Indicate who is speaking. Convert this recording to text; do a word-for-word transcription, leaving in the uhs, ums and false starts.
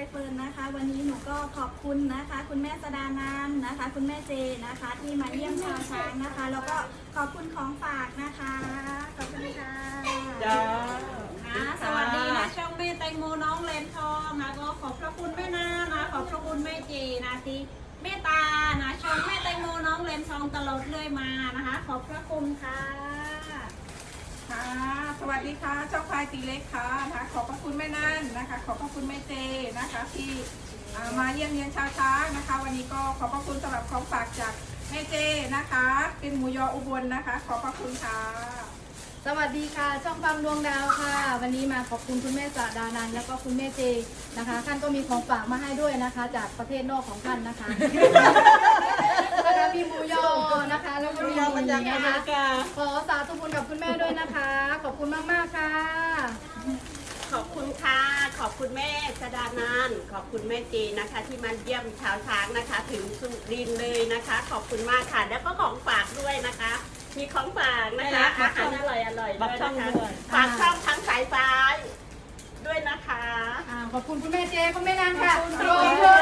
Speaker 1: เฟิร์นนะคะ วันนี้หนูก็ขอบคุณนะคะ คุณแม่สดานานนะคะ คุณแม่เจนะคะ ที่มาเยี่ยมชาวช้างนะคะ แล้วก็ขอบคุณของฝากนะคะขอบคุณค่ะ
Speaker 2: จ้า
Speaker 3: นะสวัสดีนะช่องแม่แตงโมน้องเลนทองนะก็ขอบพระคุณแม่นานะขอบพระคุณแม่เจนะที่เมตตานะช่องแม่แตงโมน้องเลนทองตลอดเรื่อยมานะคะ ขอบพระคุณค่ะ
Speaker 2: ค่ะสวัสดีค่ะช่องพายตีเล็กค่ะนะคะขอบพระคุณแม่นั่นนะคะ ขอบพระคุณแม่เจนะคะที่อ่ามาเยี่ยมเยียนชาวช้างนะคะ วันนี้ก็ขอบพระคุณสำหรับของฝากจากแม่เจนะคะ เป็นหมูยออุบลนะคะ ขอบพระคุณค่ะ
Speaker 4: สวัสดีค่ะช่องฟังดวงดาวค่ะ วันนี้มาขอบคุณคุณแม่สะดานันท์แล้วก็คุณแม่เจนะคะท่านก็มีของฝากมาให้ด้วยนะคะ จากประเทศนอกของท่านนะคะนะคะมีหมูยอนะคะแล้วก็มีหมูนะคะขอสาธุบุญกับคุณแม่ด้วยนะคะ ขอบคุณมากๆค่ะ
Speaker 5: ขอบคุณค่ะ ขอบคุณแม่สดานานขอบคุณแม่เจนะคะ ที่มาเยี่ยมชาวช้างนะคะ ถึงสุรินทร์เลยนะคะ ขอบคุณมากค่ะ แล้วก็ของฝากด้วยนะคะ มีของฝากนะคะอาหารอร่อยอร่อยด้วยนะคะฝากช่องทั้งสายฟ้าด้วยนะคะ
Speaker 4: อ่าขอบคุณคุณแม่เจคุณแม่นางค่ะขอบคุณ